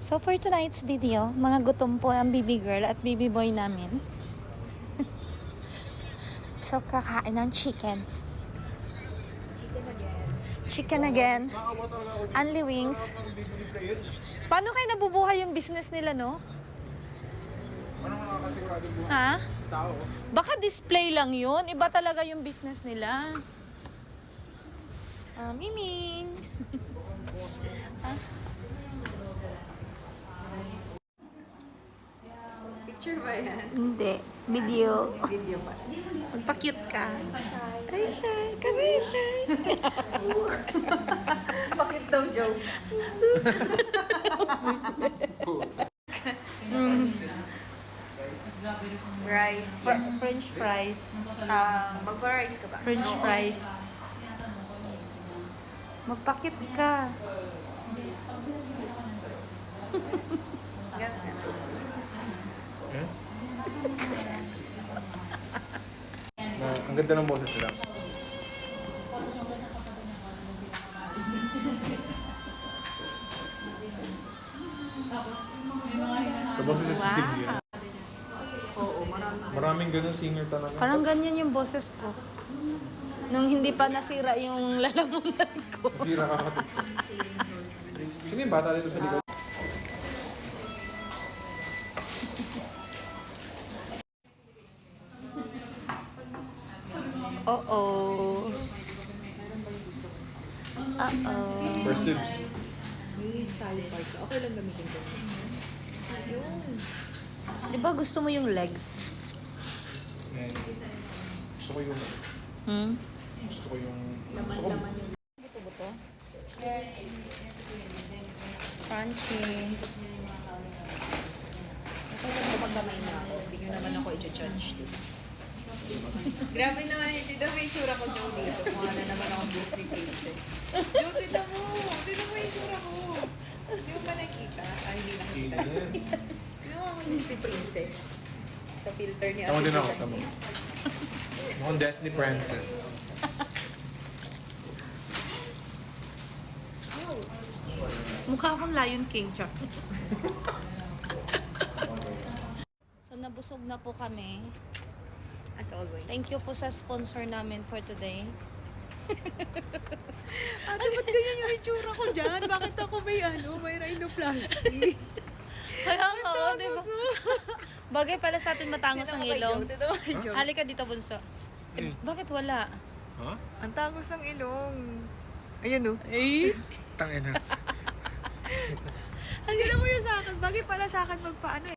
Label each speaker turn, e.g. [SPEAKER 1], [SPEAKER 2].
[SPEAKER 1] So for tonight's video, mga gutom po ang baby girl at baby boy namin. So kakain ng chicken. Chicken again. Only wings. Paano kayo nabubuhay yung business nila, no? Ha? Baka display lang yun. Iba talaga yung business nila. Miming.
[SPEAKER 2] Picture ba yan?
[SPEAKER 1] Hindi. Video.
[SPEAKER 2] Video ba?
[SPEAKER 1] Magpa-cute ka. Ay, kami.
[SPEAKER 2] Bakit daw joke? Rice. Yes.
[SPEAKER 1] French fries.
[SPEAKER 2] Magpa-rice ka ba?
[SPEAKER 1] French fries. Magpa-cute ka.
[SPEAKER 2] Ganun.
[SPEAKER 3] Ang ganda ng boses nila. Sa boses sa singer.
[SPEAKER 2] Oo, marami.
[SPEAKER 3] Maraming ganun singer talaga.
[SPEAKER 1] Parang ganyan yung boses ko. Nung hindi pa nasira yung lalamunan ko.
[SPEAKER 3] Sira ka kapatid. Sino yung bata dito sa likod?
[SPEAKER 1] Uh-oh. Uh-oh.
[SPEAKER 3] First dibs.
[SPEAKER 2] May thigh part. Okay lang gamitin ko. Ayun.
[SPEAKER 1] Di ba gusto mo yung legs?
[SPEAKER 3] Gusto ko yung... Gusto ko yung...
[SPEAKER 2] Laman-laman yung buto-buto.
[SPEAKER 1] Crunchy.
[SPEAKER 2] Kasi kapag kamay na ako, hindi nyo naman ako i-judge dito. Grabe naman yun. Sino may itsura ko, Joe, dito. Mukha na naman akong Disney princess. Joe, tignan mo! Tignan mo yung itsura ko! Hindi mo ba nakita? Ay, hindi nakita. Tignan mo akong Disney princess. Sa filter ni
[SPEAKER 3] Tama din ako,
[SPEAKER 2] Ate
[SPEAKER 3] tama.
[SPEAKER 2] Joe.
[SPEAKER 3] Mukhang Disney Princess.
[SPEAKER 1] Mukha akong Lion King, Chuck. So, nabusog na po kami.
[SPEAKER 2] As always.
[SPEAKER 1] Thank you po sa sponsor namin for today.
[SPEAKER 2] Ate, ba't ganyan yung itsura ko dyan? Bakit ako may rhinoplasty?
[SPEAKER 1] Kaya nga, di ba? Bagay pala sa atin matangos ang ilong.
[SPEAKER 2] Dito mo kay Joe.
[SPEAKER 1] Halika dito, bunso. Bakit wala?
[SPEAKER 3] Ha?
[SPEAKER 2] Ang tangos ng ilong. Ayun o.
[SPEAKER 3] Tangina.
[SPEAKER 2] Ang gila mo yun sa akin. Bagay pala sa akin magpaano eh.